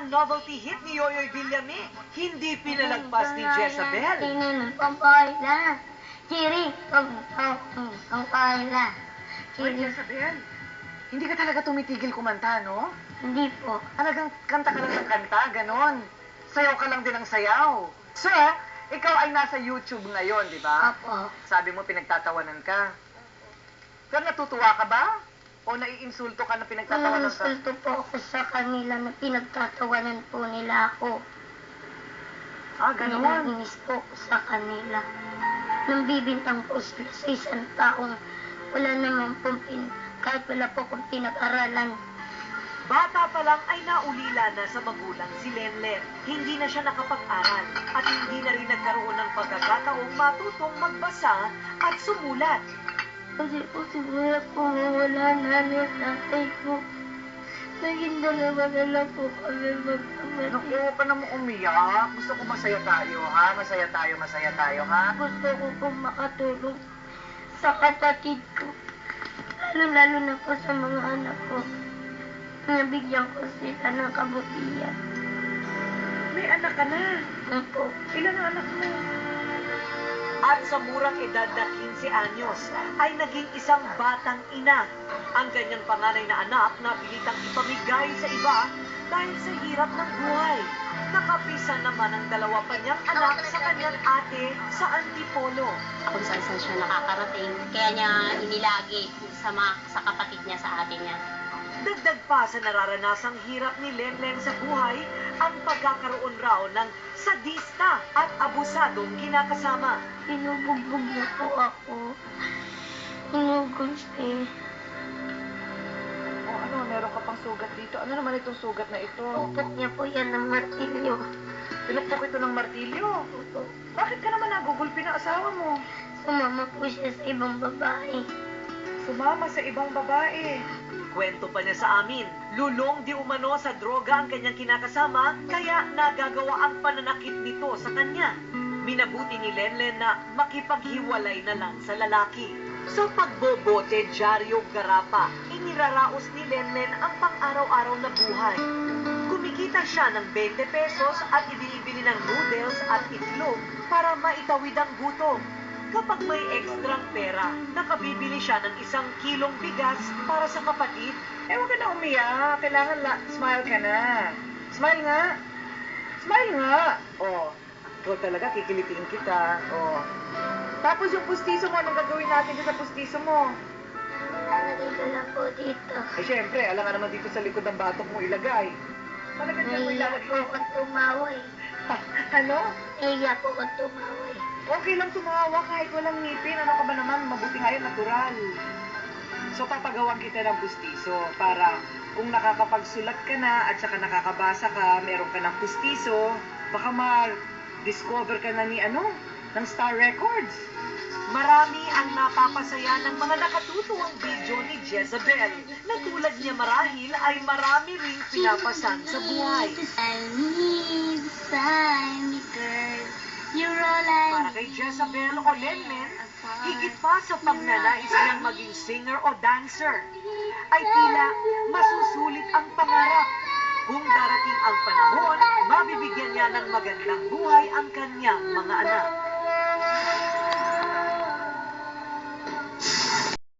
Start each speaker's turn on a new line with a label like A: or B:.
A: ang novelty hit ni Yoyoy Villame, hindi pinalagpas ni Jezabel. Hoy, Jezabel, hindi ka talaga tumitigil kumanta, no?
B: Hindi po.
A: Talagang kanta ka lang ng kanta, ganon. Sayaw ka lang din ng sayaw. So, ikaw ay nasa YouTube ngayon, di ba?
B: Apo.
A: Sabi mo pinagtatawanan ka. Pero natutuwa ka ba? O naiinsulto ka na pinagtatawanan ka?
B: Naiinsulto po ako sa kanila na pinagtatawanan po nila ako.
A: Ah, ganon.
B: Naiinis po ako sa kanila. Nang bibintang po sila sa isang taong wala naman po kahit wala po akong pinag-aralan.
A: Bata pa lang ay naulila na sa magulang si Lenlen. Hindi na siya nakapag-aral at hindi na rin nagkaroon ng pagkakataong matutong magbasa at sumulat.
B: Kasi po siguro po wala namin tatay ko. Naging dalawa na lang po kami magkamatin.
A: Naku, huwag ka naman umiyak. Gusto ko masaya tayo, ha? Masaya tayo, ha?
B: Gusto ko po makatulong sa kapatid ko. Lalo-lalo na po sa mga anak ko. Nabigyan ko sila ng kabutihan.
A: May anak ka na.
B: Opo.
A: Ilan ang anak mo? At sa murang edad na 15 anyos, ay naging isang batang ina. Ang kanyang panganay na anak na pilitang ipamigay sa iba dahil sa hirap ng buhay. Nakapisa naman ang dalawa pa niyang anak sa kanyang ate sa Antipolo.
C: Kung saan siya nakakarating, kaya niya inilagi sa kapatid niya, sa ate niya.
A: Dagdag pa sa nararanasang hirap ni Lenlen sa buhay, ang pagkakaroon raw ng sadista at abusadong kinakasama.
B: Pinubugbog niya po ako. Hinugos eh.
A: O ano, meron ka pang sugat dito. Ano naman itong sugat na ito?
B: Pupok niya po yan ng martilyo.
A: Pinukpok ito ng martilyo.
B: Opo.
A: Bakit ka naman nagugulpi ng asawa mo?
B: Sumama po siya sa ibang babae.
A: Sumama sa ibang babae. Kwento pa niya sa amin, lulong di umano sa droga ang kanyang kinakasama, kaya nagagawa ang pananakit nito sa kanya. Minabuti ni Lenlen na makipaghiwalay na lang sa lalaki. Sa pagbobote, dyaryo, garapa, iniraraos ni Lenlen ang pang-araw-araw na buhay. Kumikita siya ng 20 pesos at ibinibili ng noodles at itlog para maitawid ang gutom. Kapag may ekstrang pera, nakabibili siya ng 1 kilong bigas para sa kapatid. Eh, huwag ka na umiyak. Kailangan smile ka na. Smile nga. Smile nga. Oh, ikaw talaga, kikilitiin kita. Oh. Tapos yung pustiso mo, anong gagawin natin sa pustiso mo?
B: Nandito lang po dito.
A: Eh, syempre, alam nga naman dito sa likod ng batok mo ilagay. Talaga dyan mo
B: Naiiyak po
A: ilalagay.
B: akong tumaway.
A: Ano?
B: Naiiyak po akong tumaway.
A: Okay lang tumawa kahit walang ngipin. Ano ka ba naman? Mabuti nga yun, natural. So, papagawan kita ng pustiso para kung nakakapagsulat ka na at saka nakakabasa ka, meron ka ng pustiso, baka ma-discover ka na ng Star Records. Marami ang napapasaya ng mga nakatutuwang video ni Jezabel na tulad niya marahil ay marami ring pinapasan sa buhay.
B: I need sign me, girl. You're all I
A: Para kay Jezabel o Lenlen, higit pa sa pagnanais niyang maging singer o dancer, ay tila masusulit ang pangarap. Kung darating ang panahon, mabibigyan niya ng magandang buhay ang kanyang mga anak.